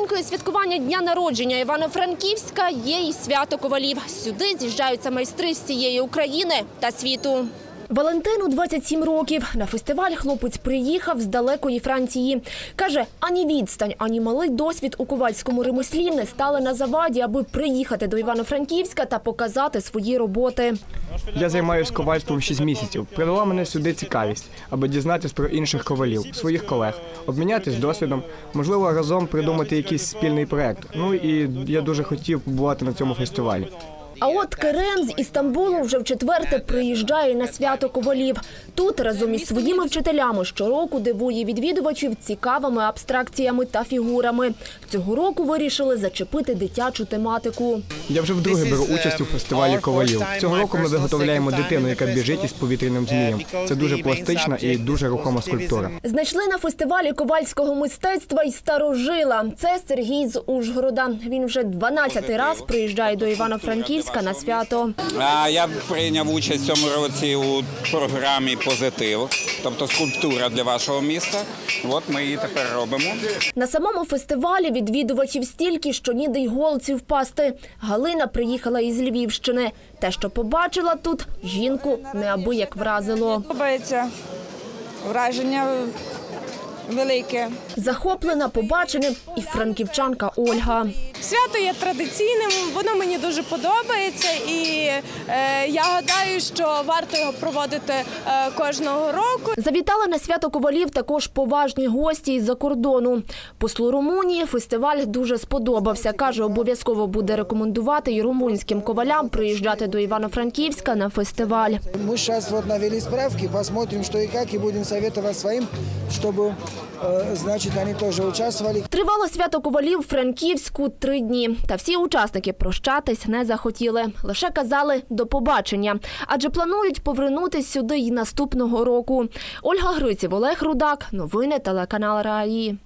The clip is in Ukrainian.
Родзинкою святкування дня народження Івано-Франківська є і свято ковалів. Сюди з'їжджаються майстри з всієї України та світу. Валентину 27 років. На фестиваль хлопець приїхав з далекої Франції. Каже, ані відстань, ані малий досвід у ковальському ремеслі не стали на заваді, аби приїхати до Івано-Франківська та показати свої роботи. Я займаюся ковальством 6 місяців. Привела мене сюди цікавість, аби дізнатися про інших ковалів, своїх колег, обмінятись досвідом, можливо, разом придумати якийсь спільний проєкт. Ну і я дуже хотів побувати на цьому фестивалі. А от Керем з Істамбулу вже вчетверте приїжджає на свято ковалів. Тут разом із своїми вчителями щороку дивує відвідувачів цікавими абстракціями та фігурами. Цього року вирішили зачепити дитячу тематику. Я вже вдруге беру участь у фестивалі ковалів. Цього року ми виготовляємо дитину, яка біжить із повітряним змієм. Це дуже пластична і дуже рухома скульптура. Знайшли на фестивалі ковальського мистецтва й старожила. Це Сергій з Ужгорода. Він вже 12-й раз приїжджає до Івано-Франківська на свято. Я прийняв участь в цьому році у програмі «Позитив», тобто скульптура для вашого міста. От ми її тепер робимо. На самому фестивалі відвідувачів стільки, що ніде й голці впасти. Галина приїхала із Львівщини. Те, що побачила тут, жінку неабияк вразило. Подобається враження велике. Захоплена побаченим і франківчанка Ольга. Свято є традиційним, воно мені дуже подобається і я гадаю, що варто його проводити кожного року. Завітали на свято ковалів також поважні гості із-за кордону. Послу Румунії фестиваль дуже сподобався. Каже, обов'язково буде рекомендувати і румунським ковалям приїжджати до Івано-Франківська на фестиваль. Ми зараз навели справки, посмотрим, що і як, і будемо советувати своїм, щоб, значить, вони теж участвували. Тривало свято ковалів в Франківську 3 дні. Та всі учасники прощатись не захотіли. Лише казали «до побачення». Адже планують повернутись сюди й наступного року. Ольга Гриців, Олег Рудак. Новини телеканал РАІ.